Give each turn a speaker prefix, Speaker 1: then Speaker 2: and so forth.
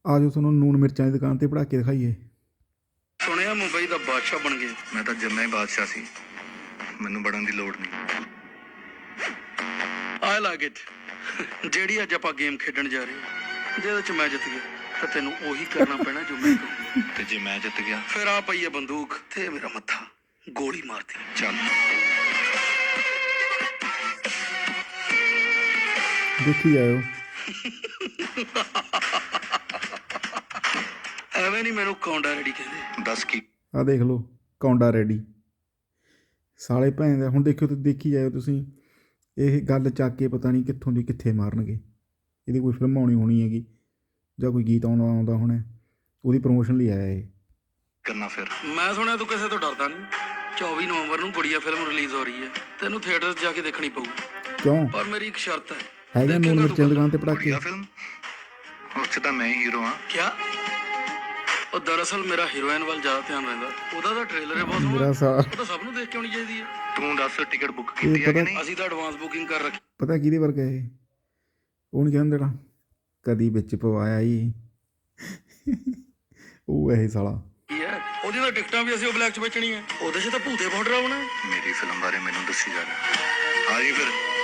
Speaker 1: ਆ ਜਾਓ ਤੁਹਾਨੂੰ ਨੂਨ ਮਿਰਚਾਂ ਦੀ ਦੁਕਾਨ ਤੇ ਪੜ੍ਹਾ ਕੇ ਦਿਖਾਈਏ।
Speaker 2: ਸੁਣਿਆ ਮੁੰਬਈ ਦਾ ਬਾਦਸ਼ਾਹ ਬਣ ਗਏ।
Speaker 3: ਮੈਂ ਤਾਂ ਜੰਮਿਆ ਹੀ ਬਾਦਸ਼ਾਹ ਸੀ, ਮੈਨੂੰ ਬਣਨ ਦੀ ਲੋੜ ਨਹੀਂ।
Speaker 2: I like it. ਜਿਹੜੀ ਅੱਜ ਆਪਾਂ ਗੇਮ ਖੇਡਣ ਜਾ ਰਹੇ ਹਾਂ, ਜਿਹਦੇ ਚ ਮੈਂ ਜਿੱਤ ਗਿਆ ਤਾਂ ਤੈਨੂੰ ਉਹੀ ਕਰਨਾ ਪੈਣਾ ਜੋ ਮੈਂ ਕਹੂੰ।
Speaker 3: ਤੇ ਜੇ ਮੈਂ ਜਿੱਤ ਗਿਆ
Speaker 2: ਫਿਰ ਆ ਪਈ ਹੈ ਬੰਦੂਕ ਤੇ ਮੇਰਾ ਮੱਥਾ, ਗੋਲੀ ਮਾਰਦੀ।
Speaker 3: ਚੱਲ।
Speaker 1: ਦੇਖੀ ਜਾਇਓ।
Speaker 2: ਐਵੇਂ ਨਹੀਂ ਮੈਨੂੰ ਕੌਂਡਾ ਰੈਡੀ ਕਹਿੰਦੇ।
Speaker 3: ਦੱਸ ਕੀ
Speaker 1: ਆਹ ਦੇਖ ਲਓ ਕੌਂਡਾ ਰੈਡੀ ਸਾਲੇ ਭੈਣ ਦਾ। ਹੁਣ ਦੇਖਿਓ ਤੇ ਦੇਖੀ ਜਾਇਓ ਤੁਸੀਂ, ਇਹ ਗੱਲ ਚੱਕ ਕੇ ਪਤਾ ਨਹੀਂ ਕਿੱਥੋਂ ਦੀ ਕਿੱਥੇ ਮਾਰਨਗੇ। ਇਹਦੀ ਕੋਈ ਫਿਲਮ ਆਉਣੀ ਹੋਣੀ ਹੈਗੀ ਜਾਂ ਕੋਈ ਗੀਤ ਆਉਂਦਾ ਹੋਣਾ, ਉਹਦੀ ਪ੍ਰਮੋਸ਼ਨ ਲਈ ਆਇਆ ਇਹ।
Speaker 3: ਕਰਨਾ ਫਿਰ?
Speaker 2: ਮੈਂ ਸੁਣਿਆ ਤੂੰ ਕਿਸੇ ਤੋਂ ਡਰਦਾ ਨਹੀਂ। 24 ਨਵੰਬਰ ਨੂੰ ਗੁੜੀਆ ਫਿਲਮ ਰਿਲੀਜ਼ ਹੋ ਰਹੀ ਹੈ, ਤੈਨੂੰ ਥੀਏਟਰ 'ਚ ਜਾ ਕੇ ਦੇਖਣੀ ਪਊ।
Speaker 1: ਕਿਉਂ?
Speaker 2: ਪਰ ਮੇਰੀ ਇੱਕ ਸ਼ਰਤ ਹੈ।
Speaker 1: ਹੈਗਾ ਨੂਨ ਮਿਰਚਾਂ ਦੀ ਦੁਕਾਨ ਤੇ ਪੜ੍ਹਾ ਕੇ।
Speaker 3: ਵਧੀਆ ਫਿਲਮ, ਉਸ 'ਚ ਤਾਂ ਮੈਂ ਹੀ ਹੀਰੋ ਹਾਂ।
Speaker 2: ਕਿਆ? ਉਹ ਦਰਅਸਲ ਮੇਰਾ ਹੀਰੋਇਨ ਵੱਲ ਜ਼ਿਆਦਾ ਧਿਆਨ ਰਹਿੰਦਾ। ਉਹਦਾ ਤਾਂ ਟ੍ਰੇਲਰ ਹੈ ਬਹੁਤ
Speaker 1: ਮੇਰਾ
Speaker 2: ਸੋਹਣਾ, ਉਹ ਤਾਂ ਸਭ ਨੂੰ ਦੇਖ ਕੇ ਆਉਣੀ ਚਾਹੀਦੀ ਹੈ।
Speaker 3: ਤੂੰ ਦੱਸ ਟਿਕਟ ਬੁੱਕ ਕੀਤੀ ਹੈ ਕਿ ਨਹੀਂ?
Speaker 2: ਅਸੀਂ ਤਾਂ ਐਡਵਾਂਸ ਬੁਕਿੰਗ ਕਰ ਰੱਖੀ।
Speaker 1: ਪਤਾ ਕਿਹਦੇ ਵਰਗਾ ਇਹ? ਉਹ ਨਹੀਂ ਕਹਿੰਦਾ ਜਿਹੜਾ ਕਦੀ ਵਿੱਚ ਪਵਾਇਆ ਹੀ ਉਹ ਇਹ ਸਾਲਾ।
Speaker 2: ਕੀ ਹੈ ਉਹਦੀ ਤਾਂ ਟਿਕਟਾਂ ਵੀ ਅਸੀਂ ਉਹ ਬਲੈਕ 'ਚ ਵੇਚਣੀ ਹੈ। ਉਹਦੇ 'ਚ ਤਾਂ ਭੂਤੇ ਬਹੁਤ ਡਰਾਉਣਾ।
Speaker 3: ਮੇਰੀ ਫਿਲਮ ਬਾਰੇ ਮੈਨੂੰ ਦੱਸੀ ਜਾ ਰਿਹਾ। ਆ ਜੀ ਫਿਰ।